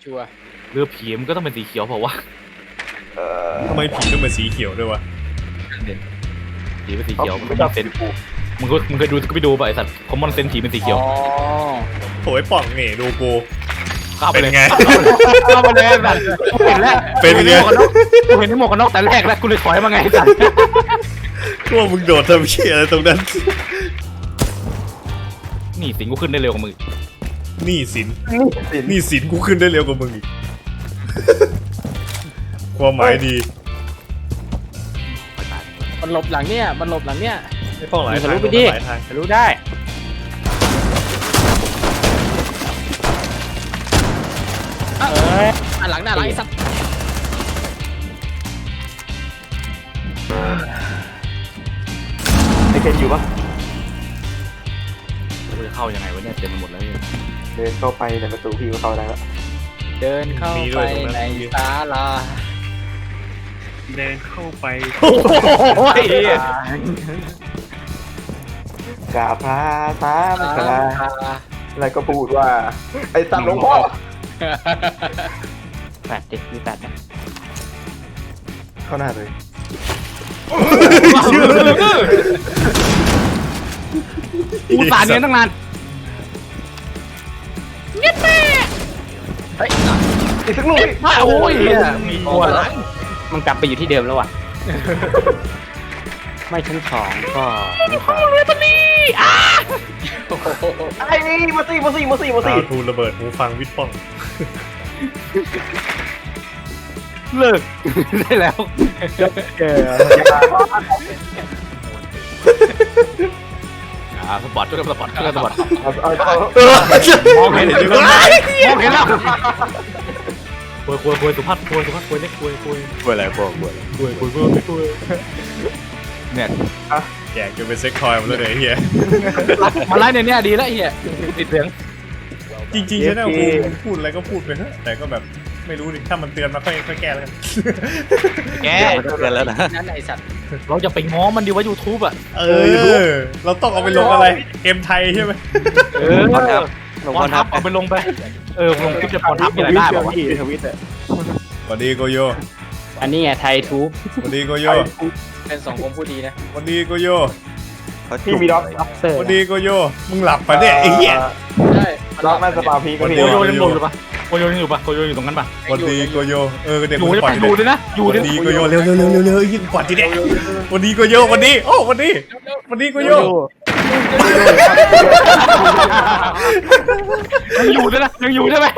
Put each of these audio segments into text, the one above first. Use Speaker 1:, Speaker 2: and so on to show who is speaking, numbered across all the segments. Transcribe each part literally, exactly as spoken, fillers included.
Speaker 1: ชัวร์
Speaker 2: เรือผีมันก็ต้องเป็นสีเขียวเปล่าวะ
Speaker 3: ทำไมผีต้องเป็นสีเขียวด้วยวะ
Speaker 2: ผีเป็นสีเขียวมันก็เป็นมึงก็มึงเคยดูก็ไปดูป่ะไอสัตว์คอมมอนเซนผีเป็นสีเขียว
Speaker 1: อ๋อ
Speaker 3: โถ่ไอ้ป่องนี่ดูกู
Speaker 2: เข้าไป
Speaker 3: เป็น
Speaker 2: เลย
Speaker 3: ไง
Speaker 2: เข้าไปเลยสัตว์กูเห็นแล้ว
Speaker 3: เป็นไง
Speaker 2: กูเห็นที่หมวกกันน็อกแต่แรกแล้วกูเลยถอยมาไงสัตว์
Speaker 3: พวกมึงโดดทำเชี่ยอะไรตรงนั้น
Speaker 2: นี่สิงกูขึ้นได้เร็วกว่ามึง
Speaker 3: นี่สินนี่สินกูขึ้นได้เร็วกว่ามึงอีก ความหมายดี
Speaker 1: มันหลบหลังเนี่ยมันหลบหลังเนี่ย
Speaker 3: ไม่ต้องหลาย
Speaker 2: ทะ
Speaker 3: ทาง
Speaker 2: ลุไปดิ
Speaker 3: หลายทาง
Speaker 2: ทะลุได้
Speaker 1: เอ้ยอ่ะหลังหน้าหลังไอ้สัตว์
Speaker 4: ไอเคนอยู่ปะ
Speaker 2: กูจะเข้ายังไงวะเนี่ยเต็มไปหมดเลย
Speaker 4: เดินเข้าไปในประตูพี่ก็เข้าได้แล้ว
Speaker 1: เดินเข้าไปในศาลา
Speaker 5: เดินเข้าไป
Speaker 2: โอ้ย
Speaker 4: กราบพระสามคราแล้วก็พูดว่า ไอ้สัตว์หลวงพ่อ
Speaker 1: แปดเด็กมีแปดนะ
Speaker 4: เข้าหน้าเลย
Speaker 2: กูสารเนี้ยตั้งนาน
Speaker 1: เฮ้ย
Speaker 4: อีกสักลูก
Speaker 2: โอ้ยมีตัวหลัง
Speaker 1: มันกลับไปอยู่ที่เดิมแล้วว่ะ ไม่ชั้นสองก็ชั้นสาม
Speaker 4: ไอ้นี่มาสิมาสิมาสิมาสิ
Speaker 3: ดาวทูระเบิดหูฟังวิทย์ป้อง
Speaker 2: เลิกได้แล้ว
Speaker 4: เออ
Speaker 2: อ่าสปอร์ตช่วยกันสปอร์ตช่วยกันสปอร์ต
Speaker 4: เอาเอาเอา
Speaker 2: มองเห็นเห็นมองเห็นแล้วคุยคุยคุยสุภาพคุยสุภาพคุยเล็กคุยคุย
Speaker 3: กลัวอะไรพวกกลัว
Speaker 2: คุยคุยคุยคุยเนี่ย
Speaker 3: แกจะเป็นเซ็กทอยมาแล้วเลยไอ้เฮีย
Speaker 2: มาไล่เนี่ยเนี่ยดีแล้วไอ้เหี้ยติดเสียง
Speaker 3: จริงๆใช่ไหมกูพูดอะไรก็พูดไปเถอะแต่ก็แบบไม่รู้ดิถ้ามันเตือนมาค่อยค่อยแก้แล้วกัน
Speaker 2: แก
Speaker 1: แล้วนะนั่นไอ้สัตว์
Speaker 2: เราจะไปง้อมันดีว่ายูทูบอ่ะ
Speaker 3: เออ เราต้องเอาไปลงอะไร เกมไทยใช่ไหม
Speaker 2: เออพรทับเอาไปลงไปเออลงคลิปจะพรทับอะไรได้ป่าวะ
Speaker 4: ทวิตอ่ะ
Speaker 3: สวัสดีโกโย
Speaker 1: อันนี้ไงไทยทูบ
Speaker 3: สวัสดีโกโย
Speaker 1: เป็นสองคมผู้ดีนะ
Speaker 3: สวัสดีโกโย
Speaker 4: พี่มีด็อกด็อกเตอ
Speaker 3: ส
Speaker 4: ร์
Speaker 3: วัสดีโกโยมึงหลับปะเนี่ยไอ้เหี้ย
Speaker 1: ใช่
Speaker 4: ด็อกน่าจะปาพีก็มี
Speaker 2: โกโยยังอยู่ปะโกโยยังอยู่ปะโกโยอยู่ตรงนั้นปะ
Speaker 3: สวัสดีโกโยเออเดี๋ยว
Speaker 2: อยู่
Speaker 3: มึง
Speaker 2: ได้
Speaker 3: ปล่
Speaker 2: ปะ
Speaker 3: อย
Speaker 2: อยู่ด้วยนะอยู่
Speaker 3: สวั
Speaker 2: ด้วย
Speaker 3: สดีโกโยเร็วเร็วเร็วเร็วเร็วยิ่งกว่าทีเดียวสวัสดีโกโยวันนี้โอ้วันนี้วันนี้โกโย
Speaker 2: ยังอยู่ด้วยนะยังอยู่ใช่ไหม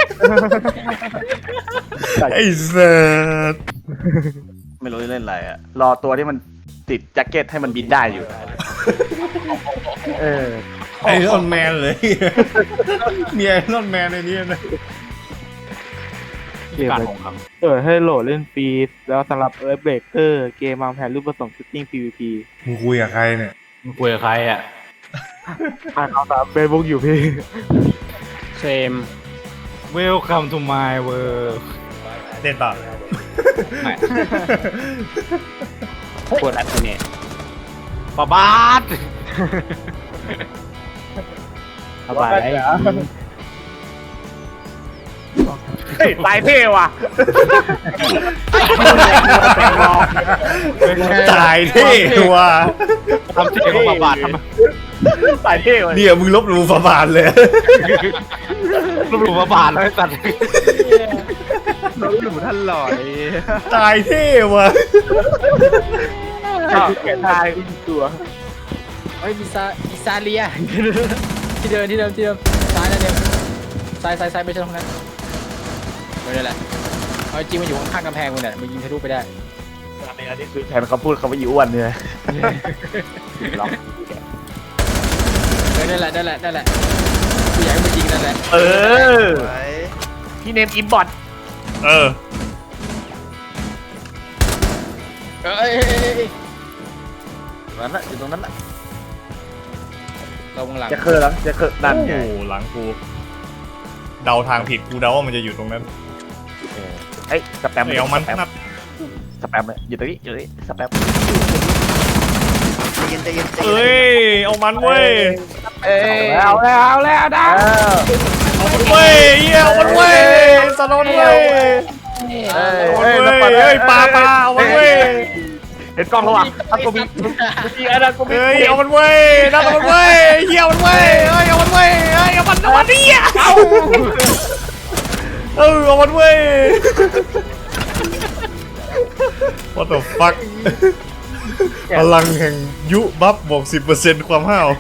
Speaker 3: ไอ้สัส
Speaker 6: ไม่รู้จะเล่นอะไรอะรอตัวที่มันติดแจ็คเก็ตให้มันบินได้อยู่
Speaker 4: เออ
Speaker 3: ไอรอนแมนเลยมีไอรอนแมนในนี้นะ
Speaker 4: เกมเออให้โหลดเล่นฟรีแล้วสำหรับเอิร์ธเบรกเกอร์เกมวางแผนรูปผสมชุดติ้ง พี วี พี
Speaker 3: มึงคุยกับใครเนี่ย
Speaker 2: มึงคุยกับใครอ่ะ
Speaker 4: อ่านเอาตามเฟซบุ๊กอยู่พี่
Speaker 1: เซม
Speaker 2: Welcome to my world
Speaker 3: เด่นต่อ
Speaker 2: ไม่
Speaker 1: ปวดอัดเนี่ย
Speaker 2: ปะบาด
Speaker 1: สบาย
Speaker 6: เฮ้ยตายเท่ว่ะ
Speaker 3: ตายเท่ว่ะ
Speaker 2: ทำเสียงของปะบาดทำไม
Speaker 6: ตายเท่ว่ะ
Speaker 3: เนี่ยมึงลบหลู่ฝาบาทเลย
Speaker 2: รูปหลู่ปะบาดเลยสัตว์
Speaker 6: น้องหนูท่านหล่อ
Speaker 3: ตายเท่ว่ะ
Speaker 4: แกทายตัว
Speaker 1: เฮ้ยมีซามีซาเลีย ที่เดิมที่เดิมที่เดิมซ้ายนั่นเดิมซ้ายซ้ายซ้ายไม่ใช่ตรงนั้นไม่ได้แหละเอาจริงมันอยู่ข้างๆกำแพงมึงเนี่ยมึงยิงทะลุไปได้
Speaker 6: อันนี้คือแทนเขาพูดเขาว่าอีอ้วนเนี่ย
Speaker 1: เออนั่นแหละนั่นแหละนั่นแหละกูอยากให้มันยิงนั่นแหละ
Speaker 6: เออพี่เนมอินบอท
Speaker 3: เออ
Speaker 1: เอ้ยเอ้ยเอ้ยเอ้ย
Speaker 6: นั่นแหละอยู่ตรงนั้นแหละ
Speaker 1: เราวงหลัง
Speaker 6: จะเคอร์แล้วจะเคอร์นั่น
Speaker 3: โอ้
Speaker 6: ไง
Speaker 3: โหหลังกู เดาทางผิดกูเดาว่ามันจะอยู่ตรงนั้น
Speaker 6: เฮ้ยสแปม
Speaker 3: เดี๋ยวมัน
Speaker 6: สแปม
Speaker 3: นับ
Speaker 6: สแปมเลยอยู่ตรงนี้อยู่ตรงนี้สแปม
Speaker 3: เอ้ย เอามันเว้ย
Speaker 1: เอ้ย
Speaker 6: เอาแล้วเอาแล้วนะ
Speaker 3: เอามันเว้ยเหี้ยเอามันเว้ยสนนเว้ย
Speaker 6: เอ้ย
Speaker 3: เอามัน
Speaker 6: เอ้ย
Speaker 3: เว้
Speaker 6: น้ำ
Speaker 3: ย
Speaker 6: ปัด
Speaker 3: เฮ้ยปลาปลาเอามันเว้ย
Speaker 6: เห็นกล้องแล้วว่ะอันกูมีมีอันนั้นกูมี
Speaker 3: เฮ้ยเอามันเว้ยนั่นเอามันเว้ยเหี้ยเอามันเว้ยเฮ้ยเอามันเว้ยเฮ้ยเอามันเอามันเหี้ยเอาเออเอามันเว้ย What the fuck พลังแห่งยุบัฟบวก สิบเปอร์เซ็นต์ ความห้าว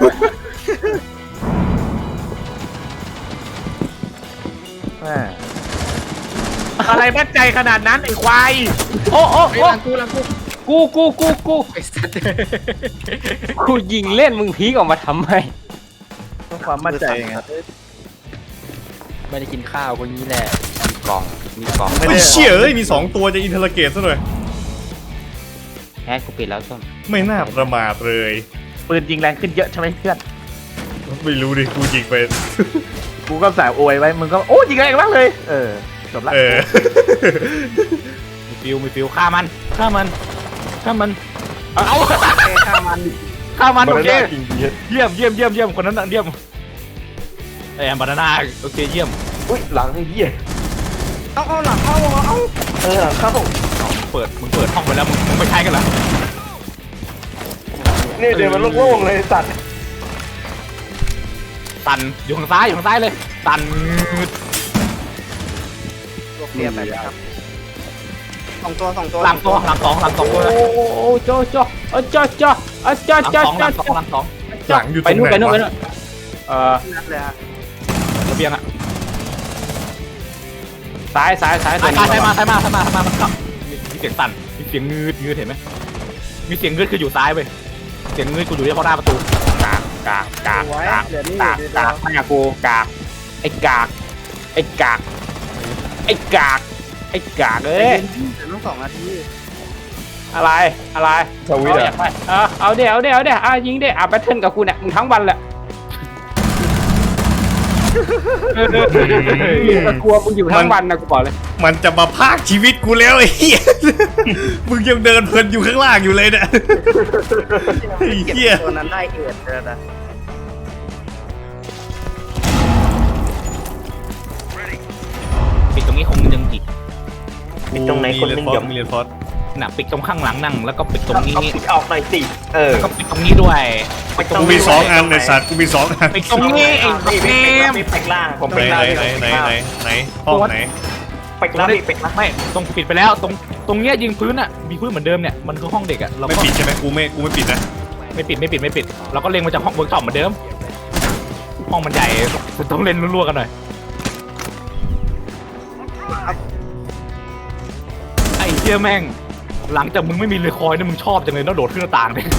Speaker 6: อะไรมั่นใจขนาดนั้นไอ้ควาย
Speaker 2: โอ้โอ้
Speaker 1: ไอ้
Speaker 2: โอ้
Speaker 1: หลังกูหลังกู
Speaker 2: กูกูกูกู
Speaker 1: ไอ้สัตว์
Speaker 2: กูยิงเล่นมึงพีกออกมาทำไม
Speaker 6: ความมั่นใจไง
Speaker 1: ไม่ได้กินข้าวคนนี้แหละ
Speaker 2: มีกล่องมีกล่อง
Speaker 3: ไม่เชี่ยเอ้ยมีสองตัวจะอินเทอร์เกตซะหน่อย
Speaker 2: แอดกูปิดแล้วส้ม
Speaker 3: ไม่น่าประมาทเลย
Speaker 6: ปืนยิงแรงขึ้นเยอะใช่ไหมเพื่อน
Speaker 3: ไม่รู้ดิกูยิงไป
Speaker 6: กูก็สายอวยไว้มึงก็โอ้ยิงแรงมากเลยเออจบละ
Speaker 3: เออ
Speaker 2: มีฟิวมีฟิวฆ่ามันฆ่ามันฆ่ามันเอาเอา
Speaker 6: ฆ่ามัน
Speaker 2: ฆ่ามันโอเค
Speaker 4: จริงๆ
Speaker 2: เยี่ยมเยี่ยมเยี่ยมเยี่ยมคนนั้นน่ะเยี่ยมไอ้แอมบานาน่าโอเคเยี่ยม
Speaker 4: อุ้ยหลังไอ้เหี้ยเอาเอาหลังเข้าเอาเอาเออหลังเข้า
Speaker 2: เปิดมึงเปิดห้องไปแล้วมึงมึงไม่ใช่กันเหรอ
Speaker 4: เนี่ยเดี๋ยวมันโล่งๆเลยสัตว์
Speaker 2: ตันอยู่ข้างซ้ายอยู่ข้างซ้ายเลยตัน
Speaker 6: เรียบไปครับ
Speaker 4: สองตัวสองตัว
Speaker 2: หลังตัวหลังสองหลังสองตัวเลย
Speaker 7: โอ้โอ้โจโจเออโจโจเออโจ
Speaker 2: หลัง
Speaker 7: โจ
Speaker 2: สอง
Speaker 7: โจ
Speaker 2: หลังสองหลังสอง
Speaker 3: หลังอยู่ต
Speaker 7: ไป
Speaker 3: รง
Speaker 7: นู่น
Speaker 3: ไห
Speaker 7: ไป
Speaker 3: น
Speaker 7: นู่นไป
Speaker 3: วะ
Speaker 7: นู่นเออ
Speaker 6: นัดเลยฮะ
Speaker 2: ระเบียงอะ
Speaker 7: ซ้ายซ้ายซ้าย
Speaker 2: ซ้ายมาซ้ายมาซ้ายมาซ้ายมาซ้ายมามันกลับมีเสียงสั่นมีเสียงงืดงืดเห็นไหมมีเสียงงืดคืออยู่ซ้ายไปเสียงงืดกูอยู่ที่ข้างหน้าประตูกากกากกากกากกากกากไม่อะกูกากไอ้กากไอ้กากไอ้กากไอ้กากเอ้ย
Speaker 6: ต้องสองนาที
Speaker 7: อะไรอะไร
Speaker 4: สวิต
Speaker 7: เอา
Speaker 4: ช์
Speaker 7: เดี๋ย
Speaker 4: อะ
Speaker 7: วไปเออเอาเดี๋ยวเอาเดี๋ยวเอาเดี๋ยวอ่ะยิงเดี๋ยวอ่ะแบทเทิลกับกูเนี่ยมึงทั้งวันแหละกลัวมึงอยู่ทั้งวันนะกูบอกเลย
Speaker 3: มันจะมาพากชีวิตกูแล้วไอ้เหี้ย มึงยังเดินเพลินอยู่ข้างล่างอยู่เลยเนี่ยไอ้เหี้ย
Speaker 6: ตัวนั้นได้เอ็ดเลยนะ
Speaker 2: ปิดตรงนี้คงยังอีก
Speaker 4: ปิดตรงไหนคนหนึง
Speaker 3: มี
Speaker 4: หย่อม
Speaker 3: มีเรียนฟอส
Speaker 2: น่ะปิดตรงข้างหลังนั่งแล้วก็ปิดตรงนี้
Speaker 4: เอาปิดออกหน่อยสิเออ
Speaker 2: แล้วก็ปิดตรงนี้ด้วยปิดตรง
Speaker 3: กูมี
Speaker 2: นี้
Speaker 3: สองอันในสัตว์กูมีสองอัน
Speaker 2: ปิดตรงนี้ไอ้เกม
Speaker 4: มีเป็กล่างผม
Speaker 3: ไหน
Speaker 4: เป็ก
Speaker 3: ไหน
Speaker 4: ล่าง
Speaker 3: ไหนไหนไหนไหนห้องไหน
Speaker 4: เป็กล่างมีเป็กล่าง
Speaker 2: ไม่ตรงปิดไปแล้วตรงตรงเนี้ยยิงพื้นอ่ะมีพื้นเหมือนเดิมเนี่ยมันคือห้องเด็กอ่ะเรา
Speaker 3: ไม่
Speaker 2: ก็
Speaker 3: ปิดใช่ไหมกูไม่กูไม่ปิดนะ
Speaker 2: ไม่ปิดไม่ปิดไม่ปิดเราก็เล็งมาจากห้องเวิร์กช็อปเหมือนเดิมห้องมันใหญ่ต้องเล่นรัวๆกันหน่อยไอ้เหี้ยแม่งหลังจากมึงไม่มีเรือคอยเนี่ยมึงชอบจังเลยแล้วโดดขึ้นหน้าต่างเนี่ย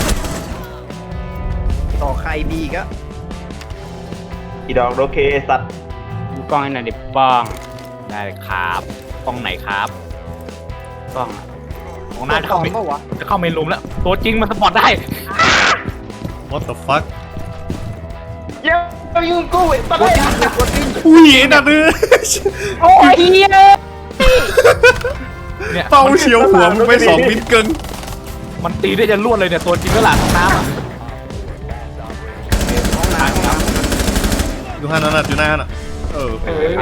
Speaker 6: ต่อใครดีก็
Speaker 4: อีดอกโอเคสัตว์
Speaker 7: ดูกล้องให้หน่อยดิบ้อง
Speaker 2: ได้เลยครับกล้องไหนครับ
Speaker 7: กล้อง
Speaker 2: ของหน้าจะเข้าเมนจะเข้าเมนรูมแล้วตัวจริงมันสปอร์ตได้
Speaker 3: What the fuck
Speaker 4: เย้ยยิงกูไอ้สัตว์
Speaker 3: อุ้ยไอ้นั่นเออ
Speaker 7: โอ้ยเฮีย
Speaker 2: เนี่ย
Speaker 3: เป้าเฉียวหัวมึงไปสองมิลเกิน
Speaker 2: มันตีได้จะรวดเลยเนี่ยตัวจริงก็หลานน้ำอะ
Speaker 3: อยู่ห้านั่นน่ะอยู่หน้าน่ะเออ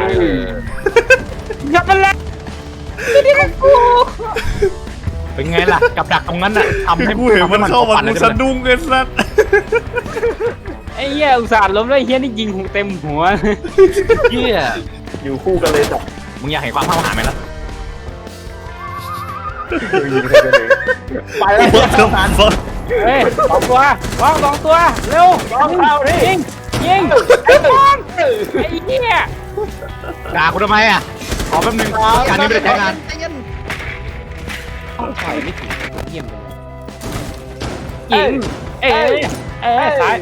Speaker 7: อย่าไปเลย
Speaker 2: เป็นไงล่ะกับดักตรงนั้นน่ะทำ
Speaker 3: คือ
Speaker 2: ให้
Speaker 3: กูเห็นมันเข้ามา
Speaker 2: ปั่
Speaker 3: กู
Speaker 2: เลย
Speaker 3: สะดุ้งเกินสัตว์
Speaker 7: ไอ้เหี้ยอุตส่าห์ล้มแล้วไอ้เหี้ยนี่ยิงหูเต็มหัว
Speaker 2: เหี้ย
Speaker 4: อยู่คู่กันเลยสัตว์
Speaker 2: มึงอยากเห็นความห้าวหาญไหมล่ะ
Speaker 4: ยิงใครกันเลย
Speaker 7: ไปแล้ว
Speaker 3: What the fuck
Speaker 7: เฮ้ยสองตัววางสองตัวเร็วยิงยิงไอ้บอลไอ้เหี้ย
Speaker 2: ด่ากูทำไมอ่ะขอแป๊บนึงการนี้ไม่ได้ใช้งาน
Speaker 7: ต้องถอยไม่ถึงเยี่ยมเลยยิงเอ้ยเอ้ยซ้าย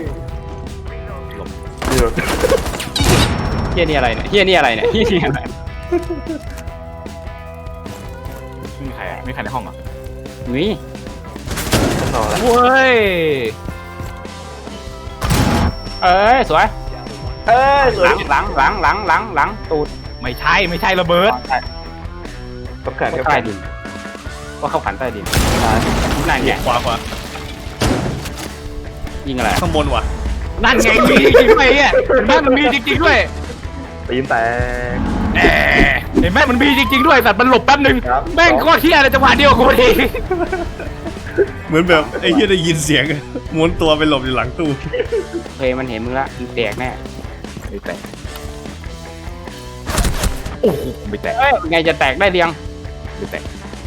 Speaker 7: เฮียนี่อะไรเนี่ยเฮียนี่อะไรเนี่ยเฮียนี่อะไร
Speaker 2: ไม่มีใครอะไม่มีใครในห้องเหรอ
Speaker 7: นี่
Speaker 4: ต่อแล้ว
Speaker 2: เว้ย
Speaker 7: เอ้ยสวย
Speaker 4: เอ้ยส
Speaker 7: ห
Speaker 4: วย
Speaker 7: ลังหลังหลังหลังหลังหลังตูด
Speaker 2: ไม่ใช่ไม่ใช่ระเบิด
Speaker 4: กับแขนกับ
Speaker 7: ใต้
Speaker 4: แขน
Speaker 7: ดินว่าเข้าขันใต้ดินนั่นไง
Speaker 3: ขวาขวา
Speaker 7: ยิงอะไร
Speaker 3: ข้างบนว่ะ
Speaker 2: นั่นไงมีจริงๆด้วยอ่ะนั่นมีจริงๆด้วย
Speaker 4: ตีนแตก
Speaker 2: แหมเห็นไหมมันมีจริงๆด้วยสัตว์มันหลบแป๊บนึง
Speaker 4: ครับ
Speaker 2: แม่งโคตรเที่ยอะไรจังหวะเดียวกับกูพอดี
Speaker 3: เหมือนแบบไอ้เหี้ยได้ยินเสียงม้วนตัวไปหลบอยู่หลังตู้
Speaker 7: เพยมันเห็นมึงละมึงแตกแน่
Speaker 2: ไม่แตกโอ้โหไม่แตก
Speaker 7: เอ้ยไงจะแตกได้เรียง
Speaker 2: ไม่แตก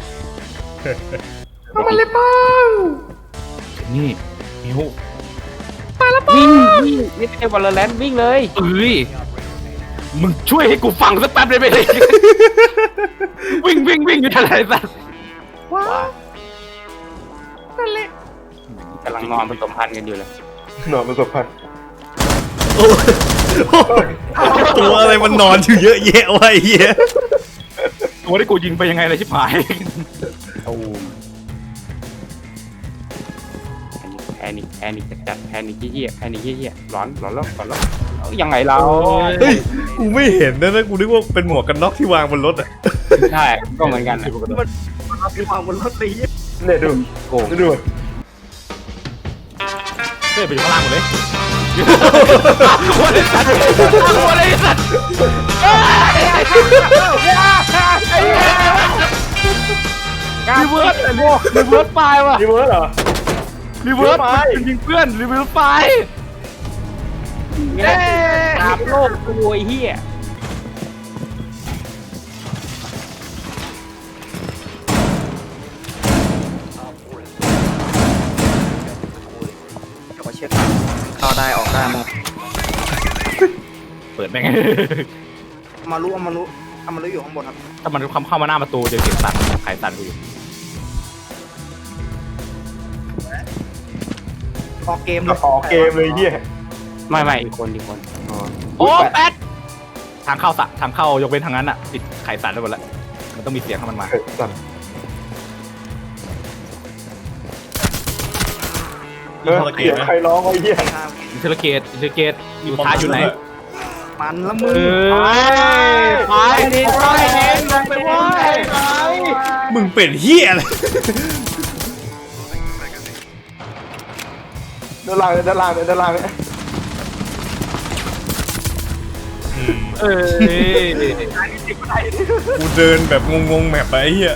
Speaker 3: มันเลยป้อง
Speaker 2: นี่มิว
Speaker 7: วิ่งวิ่งนี่เป็นวอลเลนวิ่งเลย
Speaker 2: เอ้ยมึงช่วยให้กูฟังสักแป๊บได้ไหม วิ่งวิ่งวิ่งอยู่ทะเลสัตว์
Speaker 7: กำลังนอนผสมพันธุ์กันอยู่เลย
Speaker 4: นอนประสบพันธ์
Speaker 3: โอ้ตัวอะไรมันนอนอยู่เยอะแยะวะไอ้เหี้ย
Speaker 2: ตัวที่กูยิงไปยังไงเลยชิบหาย
Speaker 7: ตูมแพนิคแพนิคจัดแพนิคเยี่ยแพนิคเยี่ยร้อนร้อนแล้วร้อนแล้วเอายังไงเรา
Speaker 3: เฮ้ยกูไม่เห็นนะนะกูนึกว่าเป็นหมวกกันน็อกที่วางบนรถอะ
Speaker 7: ใช่ก็เหมือนกันนะ
Speaker 4: เนี่ยดู
Speaker 7: โกง
Speaker 4: ดู
Speaker 2: เฮ้ยไปอยู่ข้างล่างหมดเลยหัวเลยสัตว์หัวเลยสัตว์รีเวิร์สรีเวิร์สไฟว่ะ
Speaker 4: รีเวิร์สเหรอ
Speaker 2: รีเวิร์สมันยิงเพื่อนรีเวิร์สไฟ
Speaker 7: เนี่ยตามโลกกูไอ้เหี้ย
Speaker 6: เข้าได้ออกได้หมด
Speaker 2: เปิดแม่ง
Speaker 6: มารู้เอามารู้เอามารู้อยู่ข้างบนครับ
Speaker 2: ถ้ามันเข้าเข้ามาหน้าประตูจะเสียงสั่นใครสั่นกูอยู่
Speaker 6: ออกเกม
Speaker 4: ออกเกมเลยเหี้ย
Speaker 7: ไม่ไม่อีกคนอีกคน
Speaker 2: โอ้แปดทางเข้าสะทางเข้ายกเว้นทางนั้นอ่ะติดไขสั่นได้หมดแล้วมันต้องมีเสียงให้มันมา
Speaker 4: เฮ้ยสั่นเออเสียงใครร้องไอ้เหี้ย
Speaker 2: อินเทอร์เกตอินเทอร์เกตอยู่ท้ายอยู่ไหน
Speaker 6: มันละ
Speaker 2: เอ
Speaker 6: มือ
Speaker 2: อไปดิไปดิลงไปเว้ย
Speaker 3: มึงเป็นเหี้ยอะไร
Speaker 4: ด้านล่างด้านล่างด้านล่างเนี่ย
Speaker 2: เออ
Speaker 3: กูเดินแบบงงๆแมปไปไอ้เหี้ย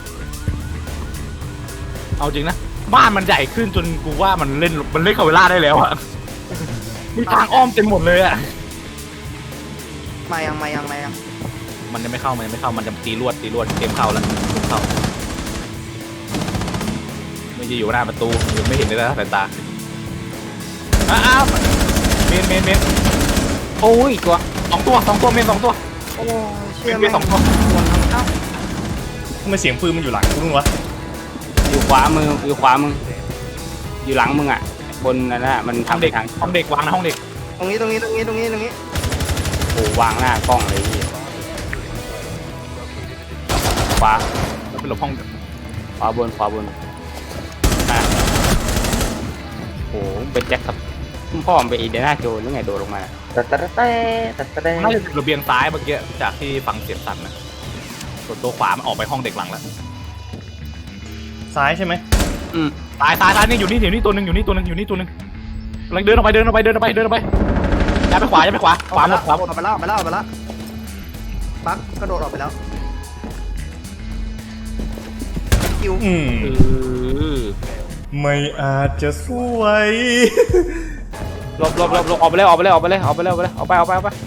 Speaker 2: เอาจริงนะบ้านมันใหญ่ขึ้นจนกูว่ามันเล่นมันเล่นคาเวล่าได้แล้วอะมีทางอ้อมเต็มหมดเลยอะ
Speaker 6: มายังมายังมายัง
Speaker 2: มันจะไม่เข้ามันจะไม่เข้ามันจะตีลวดตีลวดเกมเข้าแล้วเกมเข้าไม่จะอยู่หน้าประตูยังไม่เห็นเลยนะสายตาอ้าวเมนเมนเมน
Speaker 7: โอ้ยตัว
Speaker 2: สองตัวสองตัวเมนสองตัว
Speaker 6: โอ้
Speaker 2: เม
Speaker 6: เชื่อน
Speaker 2: เมนสองตัว
Speaker 3: ทำไมเสียงปืนมันอยู่หลังกูนึงวะ
Speaker 7: อยู่ขวามืออยู่ขวามึงอยู่หลังมึงอ่ะบนนั่นแหละมัน
Speaker 2: ห้อง
Speaker 7: ทำไป
Speaker 2: เด็ก
Speaker 7: ทาง
Speaker 2: ห้องเด็กวางนะห้องเด็ก
Speaker 6: ตรงนี้ตรงนี้ตรงนี้ตรงนี้ตรงนี้
Speaker 7: โอ้วางหน้ากล้องเลยพี่ขวา
Speaker 2: แล้วเป็นหลบห้อง
Speaker 7: ขวาบนขวาบนอ่ะโอ้เป็นแจ็คครับพ่อมันไปอีเดน่าโจนหรือไงโดดลงมา
Speaker 4: แต่แต่แต่แต่แต่
Speaker 2: น่าจะระเบียงซ้ายเมื่อกี้จากที่ฟังเสียงสั่นนะส่วนตัวขวามันออกไปห้องเด็กหลังแล้ว
Speaker 3: ซ้ายใช่ไหม
Speaker 7: อืม
Speaker 2: ตายตายตายนี่อยู่นี่อยู่นี่ตัวหนึ่งอยู่นี่ตัวหนึ่งอยู่นี่ตัวหนึ่งกำลังเดินออกไปเดินออกไปเดินออกไปเดินออกไปย้ายไปขวาย้ายไปขวาขวาหมดขวาหมด
Speaker 6: ออกไปแล้วออกไปแล้วออกไปแล้วบักกระโดดออกไปแล้วคิว
Speaker 3: อืม
Speaker 2: เออ
Speaker 3: ไม่อาจจะสวย
Speaker 7: หลบหลบหลบหลบออกไปเลยออกไปเลยออกไปเลยออกไปเลยออกไปเลยออกไปออกไปออกไป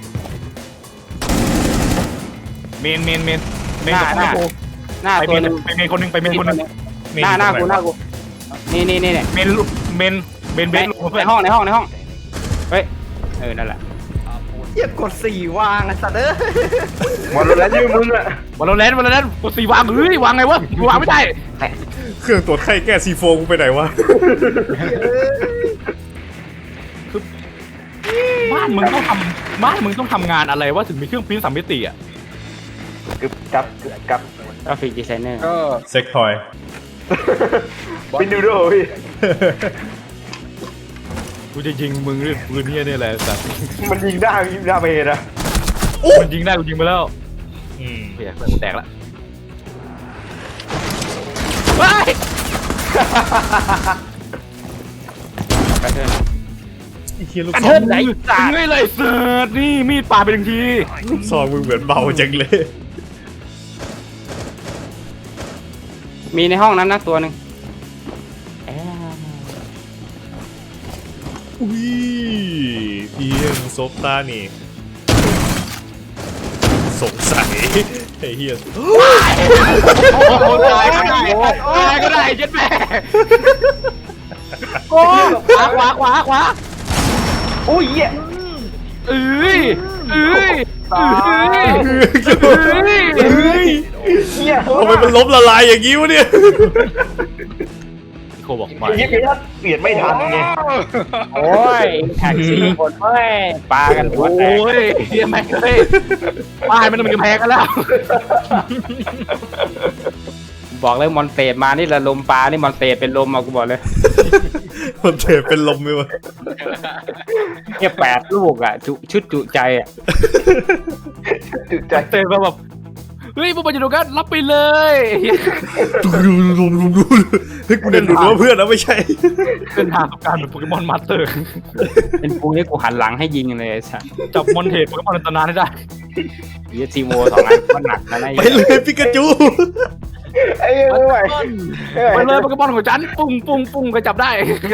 Speaker 2: เมนเมนเมนเมน
Speaker 7: หน้า
Speaker 2: กับ
Speaker 7: หน้า
Speaker 2: กู
Speaker 7: หน้า
Speaker 2: ไป
Speaker 7: ตั
Speaker 2: เม
Speaker 7: วน หนึง
Speaker 2: ไปเมนคนหนึ่งไปเมนคนหนึ่ง
Speaker 7: หน้าหน้ากูหน้ากูนี่นี่นี่เนี่ย
Speaker 2: เมนเมนเมนเบ
Speaker 7: ใน
Speaker 2: สลงเพื่อน
Speaker 7: ห้องในห้องในห้องเฮ้ยเออนั่นแหละ
Speaker 6: เยียบกดสี่วางไอ้สัตว์เอ้ยหมดแล้วยืมมึงอะ
Speaker 2: วันเราเล่นวันเราเล่นกดสี่วางเฮ้ยวางไงวะกูวางไม่ได้
Speaker 3: เครื่องตรวจไข้แก้ซีโฟกูไปไหนวะ
Speaker 2: บ้านมึงต้องทำบ้านมึงต้องทำงานอะไรวะถึงมีเครื่องพิมพ์สามมิติอ่ะ
Speaker 4: กึบกับกึบกับ
Speaker 7: กราฟิกดีไซเนอร์
Speaker 1: ก็
Speaker 3: เซ็กทอย
Speaker 4: เป็นดูโดพี่
Speaker 2: กูจะยิงมึงด้วยปืนเนี่ยเนี่ยแหละแต่
Speaker 4: มันยิงได้ยิงได้ไปนะ
Speaker 2: มันยิงได้กูยิงไปแล้ว
Speaker 3: อืม
Speaker 2: เฮียกูแตกละว้าย
Speaker 7: แพทเทิร์น
Speaker 3: เฮียลูก
Speaker 2: กัน
Speaker 3: ซอ
Speaker 2: เทิ
Speaker 3: ง
Speaker 2: ดไหนเฮ้ยเลยเสิร์ตนี่มีดปาดไปหนึ่งที
Speaker 3: ลูกซองมึงเหมือนเบาจังเลย
Speaker 7: มีในห้องนั้นนะตัวหนึ่ง
Speaker 3: อุ้ยเพียงซบตานี่สงสัยไอ้เฮีย
Speaker 2: โอ้ตายก็ได้ตายก็ได้เจ็ดแม่โอ้ขวาขวาขวาขวา
Speaker 4: โอ้ยเหี้ย
Speaker 2: เอ้ยเอ้ยเอ้ย
Speaker 3: เฮ้ย
Speaker 4: เหี้ย
Speaker 3: ทำไมมันล้มละลายอย่างงี้วะเนี่ย
Speaker 2: โคบอกมา
Speaker 4: ไอ้เหี้ยเปลี่ยนไม่ทันไง
Speaker 7: โอ้ยแท็กซี่คนเฮ้ยปากันหัว
Speaker 2: โอ้
Speaker 7: แตก
Speaker 2: ยเฮียแม่งเลยป้ายมันมันจะแพ้กันแล้ว
Speaker 7: บอกเลยมอนเตดมานี่ละลมปลานี่มอนเตดเป็นลมมากูบอกเลย
Speaker 3: มันเทเป็นลมไปวะ
Speaker 7: แค่แปดลูกอ่ะจุชุดจุใจอ่ะ
Speaker 4: จุดใจ
Speaker 2: เตะมาแบบเฮ้ยพวกมันอยู่ตรงนั้นรับไปเลย
Speaker 3: ดูดูดูดูดูเฮ้ยกูเดินดูว่าเพื่อนนะไม่ใช่
Speaker 2: เป็นทางของการเป็นโปเกมอนมาสเตอร์
Speaker 7: เป็นกูนี่กูหันหลังให้ยิงเลยไอ้สัส
Speaker 2: จับมอนเทปโปเกมอนอันตรายให้ได้
Speaker 7: เยซีโวสองอันก็หนักนะนะ
Speaker 3: ไปเลยปิกาจู
Speaker 4: ไอ้เหี้ยไม่ไหวไม่ไหว
Speaker 2: ไปเลยโปเกมอนของฉันปุ้งปุ้งปุ้งก็จับได้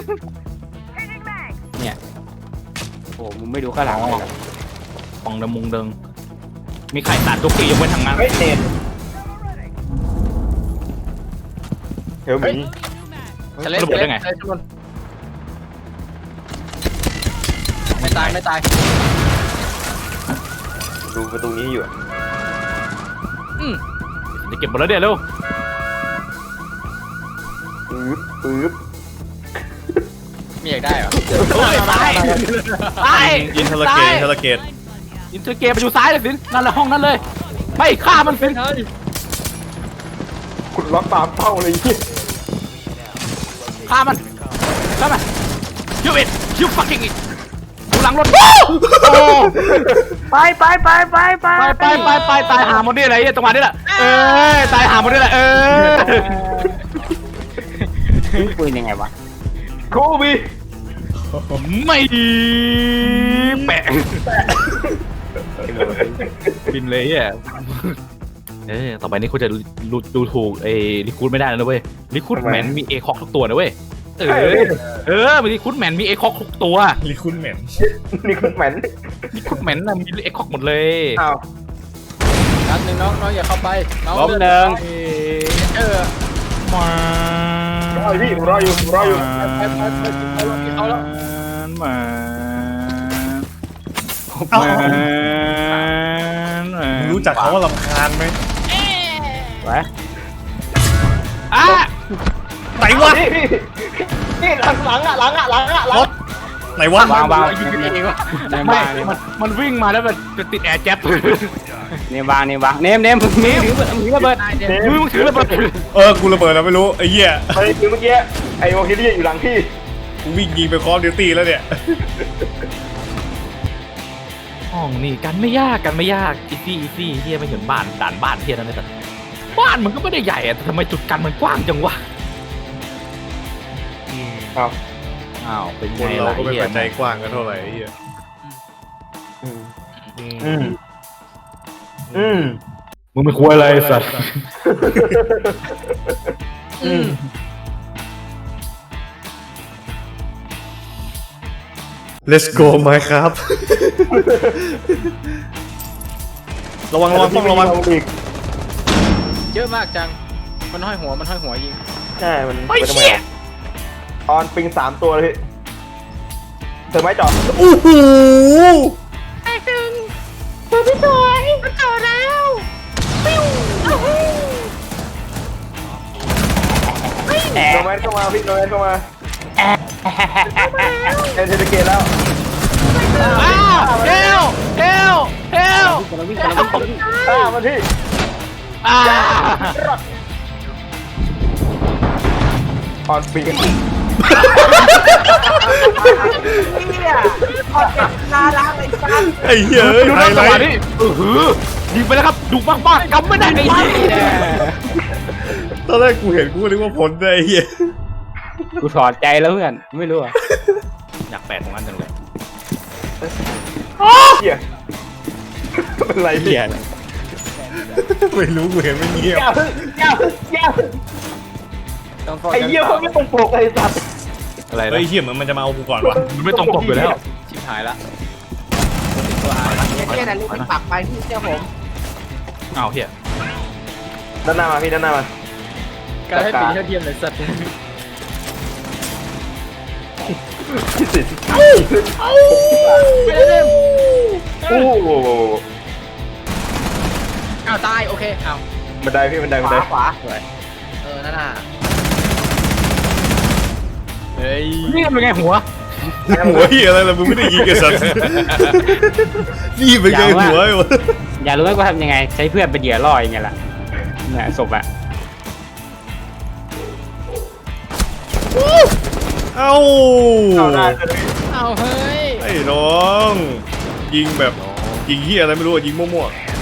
Speaker 7: โอ้มึงไม่ดูข้างหลังเลยเหรอ
Speaker 2: ฟองดมุงเดิงมีไข่สารทุกทียกเว้นทางนั้น
Speaker 4: เฮ้ยเน็ตเฮลมี
Speaker 1: จะเล่นจะเล่นจะเล่นทุกคนไม่ตายไม่ตาย
Speaker 4: ดูประตูนี้อยู่
Speaker 1: อืม
Speaker 2: จะเก็บหมดแล้วเดี๋ยวเร็ว
Speaker 4: ปื๊บปื๊บ
Speaker 1: มีอยากได้เหรอ
Speaker 2: ตายตาย
Speaker 3: อินเทอร์เกตอินเทอร์เกต
Speaker 2: อินเตอร์เกมไปอยู่ซ้ายเลยสินั่นแหละห้องนั้นเลยไม่ฆ่ามันสิ
Speaker 4: คุณล็อกตามเป้าเลยเหี้ย
Speaker 2: ฆ่ามันฆ่ามันคิวอิทคิวฟักกิ้งอิทดูหลังรถโอ้
Speaker 6: ไปไปไปไปไป
Speaker 2: ไปไปไปไปตายหาหมดนี่อะไรจังหวะนี้แหละเออตายหาหมดนี่แหละเออ
Speaker 7: ปืนยังไงวะ
Speaker 4: โคบี
Speaker 2: ไม่ดีแปะบินเลยอ่ะเออต่อไปนี้คุณจะดูดูถูกไอ้ลิคูดไม่ได้นะเว้ยลิคูดแมนมีเอคอกทุกตัวนะเว้ยเออเออมีลิคูดแมนมีเอคอกทุกตัว
Speaker 3: ลิคุณแมน
Speaker 4: นี่คุณแมน
Speaker 2: ลิคูดแมนน่ะมีเอคอกหมดเลย
Speaker 4: อ้าว
Speaker 1: นัดหนึ่งน้องน้องอย่าเข้าไปน้อง
Speaker 7: ล้มหนึ่ง
Speaker 1: เออ
Speaker 2: มาร
Speaker 4: ออยู่พี่ผมรออยู่ผมรออยู่
Speaker 1: ไปไปไปเขาแล้วเขาแล้ว
Speaker 2: มา
Speaker 3: เอ้า
Speaker 2: มา
Speaker 3: มึงรู้จักเขาว่าลำคาญไหม
Speaker 7: วะ
Speaker 2: อ่ะ
Speaker 3: ไหนวะ
Speaker 4: นี่นี่หลังหลังอ่ะหลังอ่ะหลังอ่ะหลัง
Speaker 3: ไหนวะ
Speaker 7: วางวาง
Speaker 1: ยิงกันเองวะ
Speaker 7: เนม
Speaker 2: ไม่
Speaker 7: วางเนม
Speaker 2: มันมันวิ่งมาแล้วมันจะติดแอร์แจ็บ
Speaker 7: เนมวางเนมวางเนมเนมมึงถือมึงถือระเบิด
Speaker 2: มือมึงถือระเบิด
Speaker 3: เออกูระเบิดแล้วไม่รู้ไอ้เหี้ย
Speaker 4: ไปคือเมื่อกี้ไอ้วอลคิลี่อยู่หลังพี่
Speaker 3: กูวิ่งยิงไปคอร์ดิวตี้แล้วเนี่ย
Speaker 2: ห้องนี่กันไม่ยากกันไม่ยากอีซี่อีซี่เฮียไม่เห็นบ้านด่านบ้านเฮียนั่นเลยแต่บ้านมันก็ไม่ได้ใหญ่อะแต่ทำไมจุดกันมันกว้างจังวะ
Speaker 4: อ้าว
Speaker 2: อ้าวเป็น
Speaker 3: ค
Speaker 2: ไง
Speaker 3: นเรา
Speaker 2: ล่ะ
Speaker 3: ก็ไม่
Speaker 2: เฮีย
Speaker 3: ค่อยใจกว้างกันเท่าไหร่ไอ้เหี้ย
Speaker 4: อืม
Speaker 3: อืม
Speaker 4: อืมอืม
Speaker 2: มึงไม่ควรอะไรสัตว์
Speaker 4: อืม
Speaker 3: Let's go ไหมครับ ระวังระวังต้องระวัง
Speaker 4: อีก
Speaker 1: เยอะมากจังมันห้อยหัวมันห้อยหัวยิง
Speaker 4: ใช่มัน
Speaker 2: ไอ้เชี่ย
Speaker 4: ออนปิงสามตัวเลยพี่เธอไม่จอด
Speaker 3: โอ้โห
Speaker 4: โนแมนเข้ามาพี่โนแมนเข้ามาเอ็นเทอร์เกตแล้ว
Speaker 2: อ้าวเฮลเฮลเฮล
Speaker 4: ฆ่ามันพี่
Speaker 2: อ่า
Speaker 4: ออนปิง
Speaker 3: ไอ้เหี้ยเอ้ย
Speaker 2: ดู
Speaker 3: ไฮ
Speaker 2: นะ
Speaker 3: ไล
Speaker 2: จังหวะ
Speaker 3: ท์
Speaker 2: นี้เออหือยิงไปแล้วครับดุมากมากๆกำไม่ได้ไอ้เหี้ย
Speaker 3: ตอนแรกกูเห็นกูก็นึกว่าผลไอ้เหี้ย
Speaker 7: กูถอดใจแล้วเพื่อนไม่รู้อ่ะ
Speaker 2: อยากแปดของอันจังเลย
Speaker 4: เหี้ยเป็นไร
Speaker 7: เหี้ย
Speaker 3: ไม่รู้กูเห็นไม่เงียบ
Speaker 1: ต้อง
Speaker 4: ไอ้เหี้ยเขาไม่ตรงปกไอ้สัตว์
Speaker 2: อะไร
Speaker 3: เฮ้
Speaker 2: นะ
Speaker 3: ยเหี้ยเหมือนมันจะมาเอากูก่อนวะ
Speaker 2: มันไม่ตรงปกอยู่แล้ว
Speaker 1: ชิบหายละ
Speaker 8: เนี่ยนะลูกปักไปที่เจ้าผม
Speaker 2: อ้าวเฮีย
Speaker 4: ด้านหน้ามาพี่ด้านหน้ามา
Speaker 1: การให้ปีเท่าเทียมเลยสัตว์
Speaker 4: ที่สิโอ้โห
Speaker 1: อ้าวตายโอเคอ้าว
Speaker 4: บันไดพี่บันไดบันได
Speaker 8: ขวาเออนั่นน่ะ
Speaker 1: เฮ้ย
Speaker 2: นี่เป็นไงหัว
Speaker 3: หัวเหี้ยอะไรล่ะมึงไม่ได้ยิงไอ้สัตว์นี่เป็นไงหัวไอ้วะ
Speaker 7: อยากรู้ไหมว่าทำยังไง ใช้เพื่อนเป็นเหยื่อล่อยังไงล่ะเนี่ยศพอะ
Speaker 3: เอ้า
Speaker 1: เอาเฮ้ย
Speaker 3: ไอ้น้องยิงแบบยิงเหี้ยอะไรไม่รู้อะยิงมั่ว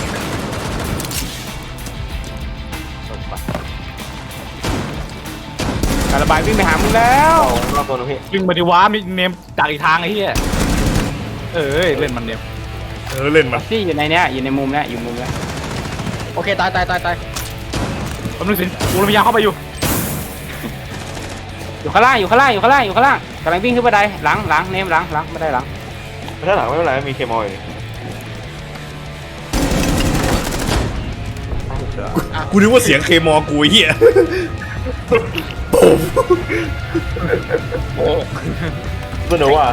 Speaker 6: การระบายวิ่งไปหามึงแล้ว
Speaker 4: รอบตัวนะพี่
Speaker 2: วิ่งมาดิว้ามีเนมจากอีกทางไอ้เหี้ยเอ้ยเล่นมันเนม
Speaker 3: ๆเออเล่นมา
Speaker 7: ที่อยู่ในเนี้ยอยู่ในมุมเนี้ยอยู่มุมเนี้ย
Speaker 1: โอเคตายตายตายตาย
Speaker 2: แป๊บนึงสิกูพยายามเข้าไปอยู่
Speaker 7: อยู่ข้างล่างอยู่ข้างล่างอยู่ข้างล่างอยู่ข้างล่างกำลังวิ่งขึ้นบันไดหลังหลังเนมหลังหลังไม่ได้หลัง
Speaker 4: ถ้าหลังไม่เป็นไรมีเคมอลอยู่
Speaker 3: กูนึกว่าเสียงเคมอกูไอ้เหี้ย
Speaker 4: สนุกว่ะ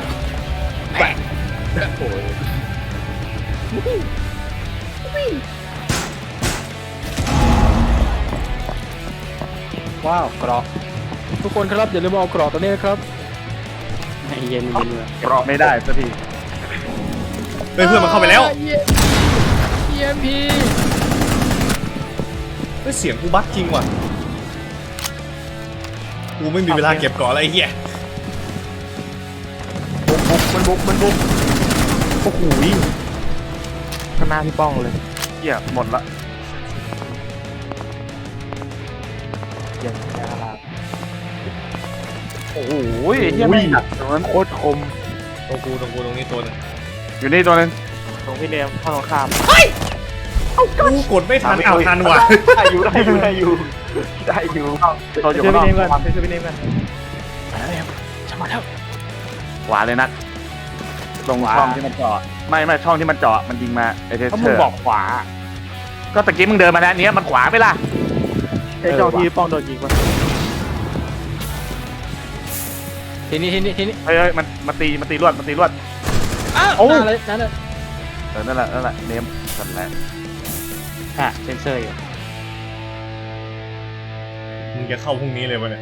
Speaker 1: ว้าวกรอบทุกคนครับอย่าลืมเอากรอบตัวนี้นะครับ
Speaker 7: ให้เย็นเย็นเลย
Speaker 6: กรอบไม่ได้สักที
Speaker 3: เฮ้ยเพื่อนมันเข้าไปแล้ว
Speaker 1: เอ็มพี
Speaker 3: เฮ้ยเสียงกูบั๊กจริงว่ะกูไม่มีเวลาเก็บก่อนอะไรไอ้เหี้ย
Speaker 6: มันบุกมันบุกโอ้โหข้างหน้าพี่ป้องเลยเหี้ยหมดละโอ้โหเหี้ยไม่หนักตรงนั้นโคตรคม
Speaker 3: ตรงกูตรงกูตรงนี้ตัวนึง
Speaker 6: อยู่นี่ตัวนึง
Speaker 5: ตรงพี่เนมเข้าตรงข้าม
Speaker 3: กูกดไม่ทันอ้าวทันว่ะ
Speaker 4: ได้อยู่ได้อยู่ได้อยู่ได้อยู่
Speaker 6: ตัวอยู่
Speaker 5: ช่วย
Speaker 6: ข้างน
Speaker 5: พี่
Speaker 6: อก
Speaker 5: เนมก่อนช่วยพี่เนมก่อน
Speaker 2: จะมาแล้ว
Speaker 6: ขวาเลยนัดตรงช่องที่มันเจาะไม่ไม่ช่องที่มันเจาะมันยิงมาไอเทส
Speaker 7: เขา
Speaker 6: เช
Speaker 7: มึ
Speaker 6: อง ร์
Speaker 7: บอกขวา
Speaker 6: ก็ตะกี้มึงเดินมาแล้วเนี้ยมันขวาไปล่ะ
Speaker 5: ไอ้เจ้าที่ป้องโดนยิงวะ
Speaker 1: ทีนี้ทีนี้ทีนี้
Speaker 6: เฮ้ยเฮ้ยมันมันตีมันตีรวดมันตีรวด
Speaker 1: อ้าว
Speaker 6: โอ้
Speaker 1: นั่นเลยนั่นเลย
Speaker 6: เออนั่นแหละนั่นแหละเนมนั่นแหละ
Speaker 7: อ่ะเซนเซอร์อยู่
Speaker 3: มึงจะเข้าพรุ่งนี้เลยวะเนี่ย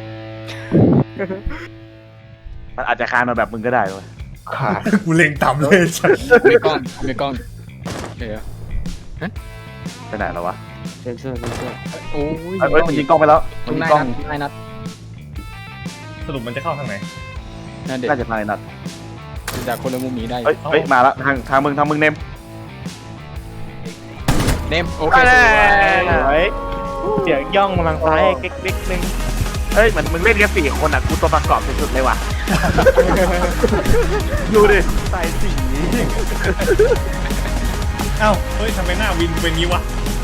Speaker 6: มันอาจจะคานมาแบบมึงก็ได้เลย
Speaker 4: ขาด
Speaker 3: กูเล็งต่ำเลยสัส
Speaker 1: มีกล้องมีกล้องเดี๋ยว
Speaker 6: ไปไหนแล้ววะ
Speaker 7: เซนเซอร์เซนเซอร์
Speaker 1: โอ้ย
Speaker 6: เฮ้ยมันยิงกล้องไปแล้วมั
Speaker 1: ทุ
Speaker 6: น
Speaker 1: ก
Speaker 6: ยิง
Speaker 1: นาย
Speaker 6: กล้อง
Speaker 1: นัดทุกนายนัด
Speaker 3: สรุปมันจะเข้าทางไหน
Speaker 1: นั่นเด็ก
Speaker 6: น่าจะมาในนัด
Speaker 1: จากคนละมุมหนีได้
Speaker 6: เฮ้ยเฮ้ยมาละทางทางมึงทางมึงเนม
Speaker 1: เนมโอเค
Speaker 6: ไป
Speaker 1: ส
Speaker 6: เลย
Speaker 1: วย
Speaker 5: เสียงย่องมาทางซ้ายเก๊กๆนึง
Speaker 6: เฮ้ยเหมือนมึงเล่นกันสี่คนอ่ะกูตัวประกอบสุดๆเลยว่ะ ดูดิใส่สี
Speaker 3: เอ้าเฮ้ยทำไมหน้าวินเป็นงี้วะ